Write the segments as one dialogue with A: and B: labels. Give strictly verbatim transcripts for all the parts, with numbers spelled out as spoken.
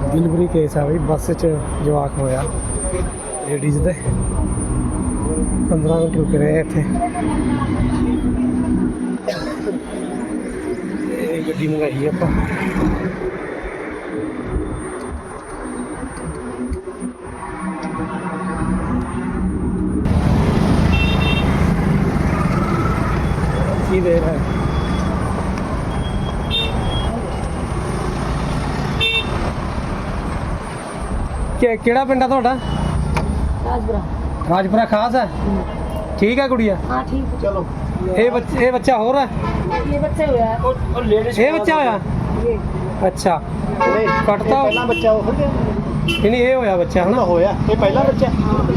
A: Delivery case आ बई बस च जवाक होया लेडीज़ दे पंद्रह मिनट रुक रहे हैं इत्थे गड्डी मंगाई आपां की देर है केड़ा पिंड है तुहाडा
B: राजपुरा
A: राजपुरा खास है ठीक है गुड़िया
B: हाँ ठीक है
A: चलो ये बच्चा ये बच्चा हो रहा है
B: ये बच्चे हुआ है
A: और लेडीज ये बच्चा होया
B: ये
A: अच्छा कटता
C: पहला बच्चा हो गया
A: नहीं ये होया बच्चा है ना
C: होया ये पहला बच्चा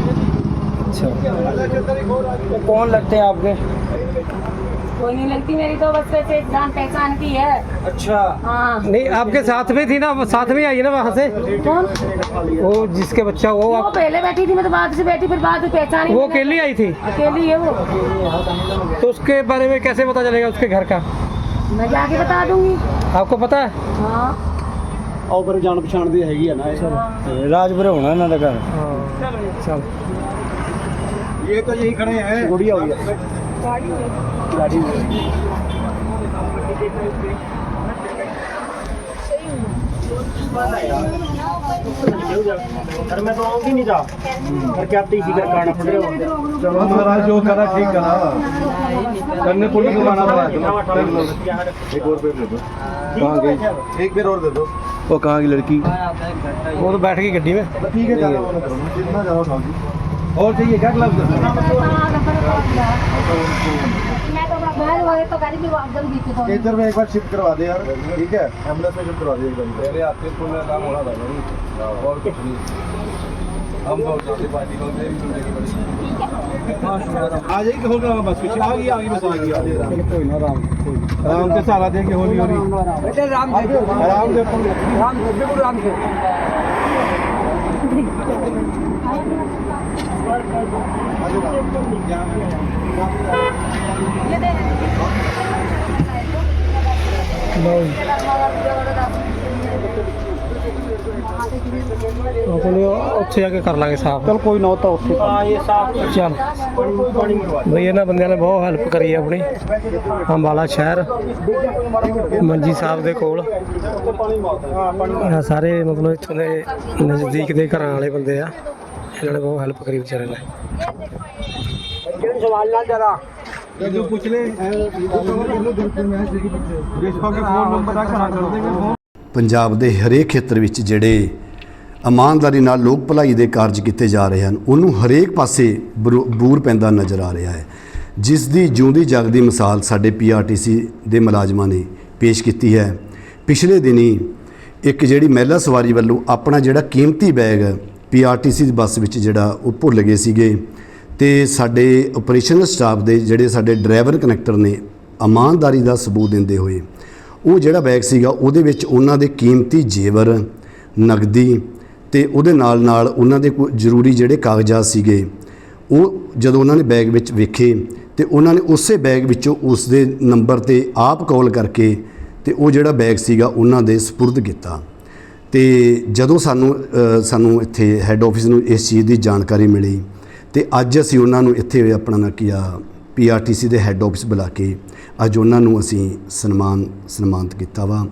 A: अच्छा कौन लगते हैं आपके
B: कोई नहीं लगती मेरी तो बस वैसे जान पहचान की है
A: अच्छा
B: हाँ
A: नहीं आपके साथ में थी ना साथ में आई ना वहाँ से
B: कौन
A: वो जिसके बच्चा वो
B: वो
A: आप
B: पहले बैठी थी मैं तो बाद से बैठी फिर बाद में पहचानी
A: वो अकेली आई थी
B: अकेली है वो
A: तो उसके बारे में कैसे पता चलेगा उसके घर का
B: मैं जाके बता दूंगी
A: आपको पता है
B: हाँ
C: और पर जान पछाण दी हैगी है ना
A: राजपुर होना इन्हों का घर चल
C: ये तो यही खड़े हैं गुड़िया हो गया गाड़ी सर मैं तो आऊँगी नहीं था घर के आते ही करना पड़ रहा है चलो महाराज जो करा ठीक करा करने पुलिस को आना पड़ा एक और पेड़ दे दो कहाँ गई एक पेड़ और दे दो वो कहाँ की लड़की
A: वो तो बैठ गई गड्डी में
C: ठीक है जितना ज़्यादा उठाओगी और चाहिए क्या ग्लव्स इधर में एक बार शिफ्ट करवा दे यार ठीक है एम्बुलेंस में शिफ्ट करवा दे एकदम पहले आपके पुल में काम हो रहा था और कुछ नहीं हम तो पार्टी को आ जाएगी हो गया बस कुछ आ गई आ गई बस आ गई कोई ना राम राम के सहारा दे के होली होली बेटे राम राम दे राम दे राम के
A: ਉੱਥੇ ਜਾ ਕੇ ਕਰ ਲਾਂਗੇ ਸਾਫ
C: चल कोई ना होता उससे
A: ਚੱਲ ਬਈ ਇਹਨਾਂ ਬੰਦਿਆਂ ਨੇ ਬਹੁਤ ਹੈਲਪ ਕਰੀ ਆਪਣੀ ਅੰਬਾਲਾ ਸ਼ਹਿਰ ਮੰਜੀ ਸਾਹਿਬ ਦੇ ਕੋਲ ਇਹ ਸਾਰੇ ਮਤਲਬ ਇੱਥੋਂ ਦੇ ਨਜ਼ਦੀਕ ਦੇ ਘਰਾਂ ਵਾਲੇ ਬੰਦੇ ਆ ਇਹਨਾਂ ਨੇ ਬਹੁਤ ਹੈਲਪ ਕਰੀ ਵਿਚਾਰੇ ਨੇ
C: सवाल ना जरा जो पूछ ले फोन नंबर आ करा कर देंगे
D: ਪੰਜਾਬ ਦੇ ਹਰੇਕ ਖੇਤਰ ਵਿੱਚ ਜਿਹੜੇ ਇਮਾਨਦਾਰੀ ਨਾਲ ਲੋਕ ਭਲਾਈ ਦੇ ਕਾਰਜ ਕੀਤੇ ਜਾ ਰਹੇ ਹਨ ਉਹਨੂੰ ਹਰੇਕ ਪਾਸੇ ਬੂਰ ਪੈਂਦਾ ਨਜ਼ਰ ਆ ਰਿਹਾ ਹੈ ਜਿਸ ਦੀ ਜਿਉਂਦੀ ਜਾਗਦੀ ਮਿਸਾਲ ਸਾਡੇ ਪੀਆਰਟੀਸੀ ਦੇ ਮੁਲਾਜ਼ਮਾਂ ਨੇ ਪੇਸ਼ ਕੀਤੀ ਹੈ ਪਿਛਲੇ ਦਿਨੀ ਇੱਕ ਜਿਹੜੀ ਮਹਿਲਾ ਸਵਾਰੀ ਵੱਲੋਂ ਆਪਣਾ ਜਿਹੜਾ ਕੀਮਤੀ ਬੈਗ ਪੀਆਰਟੀਸੀ ਦੀ ਬੱਸ ਵਿੱਚ ਜਿਹੜਾ ਉਹ ਭੁੱਲ ਗਏ ਸੀਗੇ ਤੇ ਸਾਡੇ ਆਪਰੇਸ਼ਨਲ ਸਟਾਫ ਦੇ ਜਿਹੜੇ ਸਾਡੇ ਡਰਾਈਵਰ ਕਨੈਕਟਰ ਨੇ ਇਮਾਨਦਾਰੀ ਦਾ ਸਬੂਤ ਦਿੰਦੇ ਹੋਏ ਉਹ ਜਿਹੜਾ ਬੈਗ ਸੀਗਾ ਉਹਦੇ ਵਿੱਚ ਉਹਨਾਂ ਦੇ ਕੀਮਤੀ ਜੇਵਰ ਨਗਦੀ ਤੇ ਉਹਦੇ ਨਾਲ ਨਾਲ ਉਹਨਾਂ ਦੇ ਕੋਈ ਜ਼ਰੂਰੀ ਜਿਹੜੇ ਕਾਗਜ਼ਾਤ ਸੀਗੇ ਉਹ ਜਦੋਂ ਉਹਨਾਂ ਨੇ ਬੈਗ ਵਿੱਚ ਵੇਖੇ ਤੇ ਉਹਨਾਂ ਨੇ ਉਸੇ ਬੈਗ ਵਿੱਚੋਂ ਉਸ ਦੇ ਨੰਬਰ ਤੇ ਆਪ ਕਾਲ ਕਰਕੇ ਤੇ ਉਹ ਜਿਹੜਾ ਬੈਗ ਸੀਗਾ ਉਹਨਾਂ ਦੇ ਸਪੁਰਦ ਕੀਤਾ ਤੇ ਜਦੋਂ ਸਾਨੂੰ ਸਾਨੂੰ ਇੱਥੇ ਹੈੱਡ ਆਫਿਸ ਨੂੰ ਇਸ ਚੀਜ਼ ਦੀ ਜਾਣਕਾਰੀ ਮਿਲੀ ਤੇ ਅੱਜ ਅਸੀਂ ਉਹਨਾਂ ਨੂੰ ਇੱਥੇ ਆਪਣਾ ਨਾ ਕੀਆ ਪੀਆਰਟੀਸੀ ਦੇ ਹੈੱਡ ਆਫਿਸ ਬੁਲਾ ਕੇ ਅੱਜ ਉਹਨਾਂ ਨੂੰ ਅਸੀਂ ਸਨਮਾਨ ਸਨਮਾਨਿਤ ਕੀਤਾ ਵਾ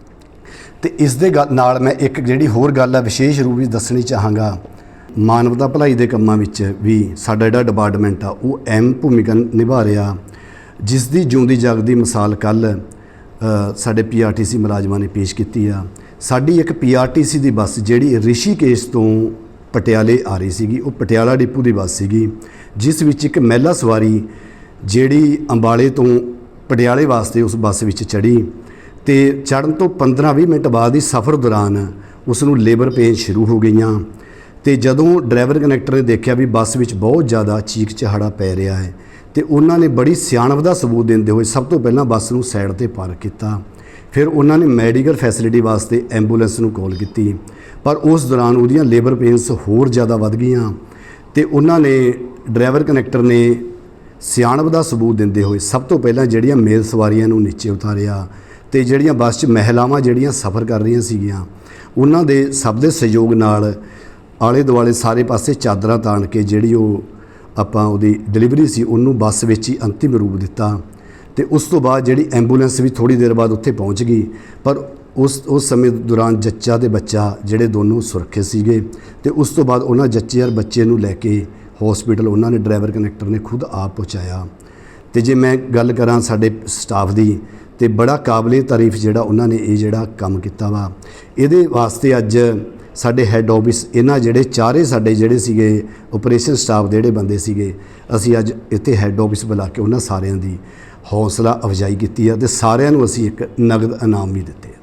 D: ਤੇ ਇਸ ਦੇ ਨਾਲ ਮੈਂ ਇੱਕ ਜਿਹੜੀ ਹੋਰ ਗੱਲ ਆ ਵਿਸ਼ੇਸ਼ ਰੂਪ ਵਿੱਚ ਦੱਸਣੀ ਚਾਹਾਂਗਾ ਮਾਨਵਤਾ ਭਲਾਈ ਦੇ ਕੰਮਾਂ ਵਿੱਚ ਵੀ ਸਾਡਾ ਜਿਹੜਾ ਡਿਪਾਰਟਮੈਂਟ ਆ ਉਹ ਅਹਿਮ ਭੂਮਿਕਾ ਨਿਭਾ ਰਿਹਾ ਜਿਸ ਦੀ ਜਿਉਂਦੀ ਜਾਗਦੀ ਮਿਸਾਲ ਕੱਲ੍ਹ ਸਾਡੇ ਪੀਆਰਟੀਸੀ ਮੁਲਾਜ਼ਮਾਂ ਨੇ ਪੇਸ਼ ਕੀਤੀ ਆ ਸਾਡੀ ਇੱਕ ਪੀਆਰਟੀਸੀ ਦੀ ਬੱਸ ਜਿਹੜੀ ਰਿਸ਼ੀਕੇਸ਼ ਤੋਂ ਪਟਿਆਲੇ ਆ ਰਹੀ ਸੀਗੀ ਉਹ ਪਟਿਆਲਾ ਡਿਪੂ ਦੀ ਬੱਸ ਸੀਗੀ ਜਿਸ ਵਿੱਚ ਇੱਕ ਮਹਿਲਾ ਸਵਾਰੀ ਜਿਹੜੀ ਅੰਬਾਲੇ ਤੋਂ ਪਟਿਆਲੇ ਵਾਸਤੇ ਉਸ ਬੱਸ ਵਿੱਚ ਚੜ੍ਹੀ ਤੇ ਚੜ੍ਹਨ ਤੋਂ ਪੰਦਰਾਂ ਵੀਹ ਮਿੰਟ ਬਾਅਦ ਹੀ ਸਫ਼ਰ ਦੌਰਾਨ ਉਸ ਨੂੰ ਲੇਬਰ ਪੇਨ ਸ਼ੁਰੂ ਹੋ ਗਈਆਂ ਤੇ ਜਦੋਂ ਡਰਾਈਵਰ ਕਨੈਕਟਰ ਨੇ ਦੇਖਿਆ ਵੀ ਬੱਸ ਵਿੱਚ ਬਹੁਤ ਜ਼ਿਆਦਾ ਚੀਕ ਚਹਾੜਾ ਪੈ ਰਿਹਾ ਹੈ ਤੇ ਉਹਨਾਂ ਨੇ ਬੜੀ ਸਿਆਣਪ ਦਾ ਸਬੂਤ ਦਿੰਦੇ ਹੋਏ ਸਭ ਤੋਂ ਪਹਿਲਾਂ ਬੱਸ ਨੂੰ ਸਾਈਡ ਤੇ ਪਾਰਕ ਕੀਤਾ ਫਿਰ ਉਹਨਾਂ ਨੇ ਮੈਡੀਕਲ ਫੈਸਿਲਿਟੀ ਵਾਸਤੇ ਐਂਬੂਲੈਂਸ ਨੂੰ ਕਾਲ ਕੀਤੀ ਪਰ ਉਸ ਦੌਰਾਨ ਉਹਦੀਆਂ ਲੇਬਰ ਪੇਨਸ ਹੋਰ ਜ਼ਿਆਦਾ ਵੱਧ ਗਈਆਂ ਤੇ ਉਹਨਾਂ ਨੇ ਡਰਾਈਵਰ ਕਨੈਕਟਰ ਨੇ ਸਿਆਣਪ ਦਾ ਸਬੂਤ ਦਿੰਦੇ ਹੋਏ ਸਭ ਤੋਂ ਪਹਿਲਾਂ ਜਿਹੜੀਆਂ ਮੇਲ ਸਵਾਰੀਆਂ ਨੂੰ ਨੀਚੇ ਉਤਾਰਿਆ ਤੇ ਜਿਹੜੀਆਂ ਬੱਸ 'ਚ ਮਹਿਲਾਵਾਂ ਜਿਹੜੀਆਂ ਸਫ਼ਰ ਕਰ ਰਹੀਆਂ ਸੀਗੀਆਂ ਉਹਨਾਂ ਦੇ ਸਭ ਦੇ ਸਹਿਯੋਗ ਨਾਲ ਆਲੇ ਦੁਆਲੇ ਸਾਰੇ ਪਾਸੇ ਚਾਦਰਾਂ ਤਾਣ ਕੇ ਜਿਹੜੀ ਉਹ ਆਪਾਂ ਉਹਦੀ ਡਿਲੀਵਰੀ ਸੀ ਉਹਨੂੰ ਬੱਸ ਵਿੱਚ ਹੀ ਅੰਤਿਮ ਰੂਪ ਦਿੱਤਾ। ਤੇ ਉਸ ਤੋਂ ਬਾਅਦ ਜਿਹੜੀ ਐਂਬੂਲੈਂਸ ਵੀ ਥੋੜੀ ਦੇਰ ਬਾਅਦ ਉੱਥੇ ਪਹੁੰਚ ਗਈ, ਪਰ ਉਸ ਉਸ ਸਮੇਂ ਦੌਰਾਨ ਜੱਚਾ ਤੇ ਬੱਚਾ ਜਿਹੜੇ ਦੋਨੋਂ ਸੁਰੱਖਿਅਤ ਸੀਗੇ। ਤੇ ਉਸ ਤੋਂ ਬਾਅਦ ਉਹਨਾਂ ਜੱਚੇ ਔਰ ਬੱਚੇ ਨੂੰ ਲੈ ਕੇ ਹਸਪੀਟਲ ਉਹਨਾਂ ਨੇ ਡਰਾਈਵਰ ਕੰਡਕਟਰ ਨੇ ਖੁਦ ਆਪ ਪਹੁੰਚਾਇਆ। ਤੇ ਜੇ ਮੈਂ ਗੱਲ ਕਰਾਂ ਸਾਡੇ ਸਟਾਫ ਦੀ, ਤੇ ਬੜਾ ਕਾਬਲੇ ਤਾਰੀਫ ਜਿਹੜਾ ਉਹਨਾਂ ਨੇ ਇਹ ਜਿਹੜਾ ਕੰਮ ਕੀਤਾ ਵਾ। ਇਹਦੇ ਵਾਸਤੇ ਅੱਜ ਸਾਡੇ ਹੈੱਡ ਆਫਿਸ ਇਹਨਾਂ ਜਿਹੜੇ ਚਾਰੇ ਸਾਡੇ ਜਿਹੜੇ ਸੀਗੇ ਆਪਰੇਸ਼ਨ ਸਟਾਫ ਦੇ ਜਿਹੜੇ ਬੰਦੇ ਸੀਗੇ, ਅਸੀਂ ਅੱਜ ਇੱਥੇ ਹੈੱਡ ਆਫਿਸ ਬੁਲਾ ਕੇ ਉਹਨਾਂ ਸਾਰਿਆਂ ਦੀ ਹੌਸਲਾ ਅਫਜ਼ਾਈ ਕੀਤੀ ਆ ਤੇ ਸਾਰਿਆਂ ਨੂੰ ਅਸੀਂ ਇੱਕ ਨਗਦ ਇਨਾਮ ਵੀ ਦਿੱਤੇ ਆ।